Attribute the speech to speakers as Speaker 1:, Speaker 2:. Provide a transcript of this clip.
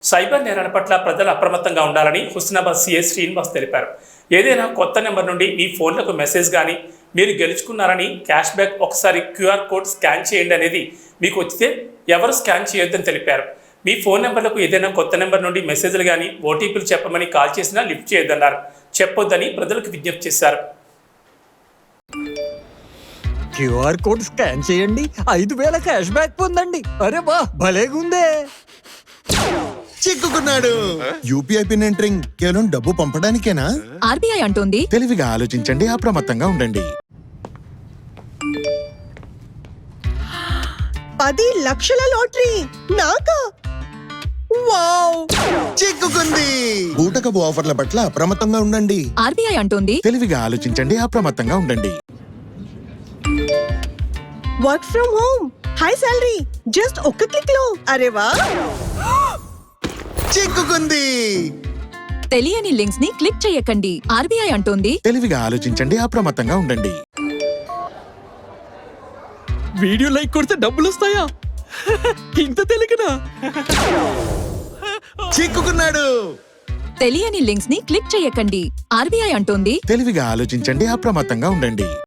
Speaker 1: Cyber నేరాల పట్ల ప్రజలు అప్రమత్తంగా ఉండాలని హుస్నాబాద్ సీఎస్ శ్రీనివాస్ తెలిపారు. ఏదైనా కొత్త నెంబర్ నుండి మీ ఫోన్లకు మెసేజ్ కానీ మీరు గెలుచుకున్నారని క్యాష్ బ్యాక్ ఒకసారి క్యూఆర్ కోడ్ స్కాన్ చేయండి అనేది మీకు వచ్చితే ఎవరు స్కాన్ చేయొద్దని తెలిపారు. మీ ఫోన్ నెంబర్లకు ఏదైనా కొత్త నెంబర్ నుండి మెసేజ్లు కానీ ఓటీపీలు చెప్పమని కాల్ చేసినా లిఫ్ట్ చేయొద్దన్నారు. చెప్పొద్దని ప్రజలకు విజ్ఞప్తి చేశారు.
Speaker 2: క్యూఆర్ కోడ్ స్కాన్ చేయండి, 5,000 క్యాష్ బ్యాక్ పొందండి. అరే వా, భలేగుందే.
Speaker 3: చిక్కుకున్నాడు. యూపీఐ పిన్ ఎంటరింగ్ కేవలం డబ్బు పంపడానికేనా?
Speaker 4: ఆర్బీఐ అంటోంది
Speaker 3: తెలివిగా ఆలోచించండి, అప్రమత్తంగా ఉండండి.
Speaker 5: 10 లక్షల లాటరీ నాకా? వావ్!
Speaker 3: చిక్కుకుంది. బూటకపు ఆఫర్ల పట్ల అప్రమత్తంగా ఉండండి.
Speaker 4: ఆర్బీఐ అంటోంది
Speaker 3: తెలివిగా ఆలోచించండి, అప్రమత్తంగా ఉండండి.
Speaker 5: Work from home, high salary, just ఒక్క క్లిక్ లో. అరే వా!
Speaker 3: చిక్కుకుంది.
Speaker 4: తెలియని లింక్స్ ని క్లిక్ చేయకండి. ఆర్బీఐ అంటోంది
Speaker 3: తెలివిగా ఆలోచించండి, అప్రమత్తంగా ఉండండి.
Speaker 2: వీడియో లైక్ కొడితే డబ్బులు వస్తాయా? ఇంత తెలియకనా?
Speaker 3: చిక్కుకున్నాడు.
Speaker 4: తెలియని లింక్స్ ని క్లిక్ చేయకండి. ఆర్బీఐ అంటోంది
Speaker 3: తెలివిగా ఆలోచించండి, అప్రమత్తంగా ఉండండి.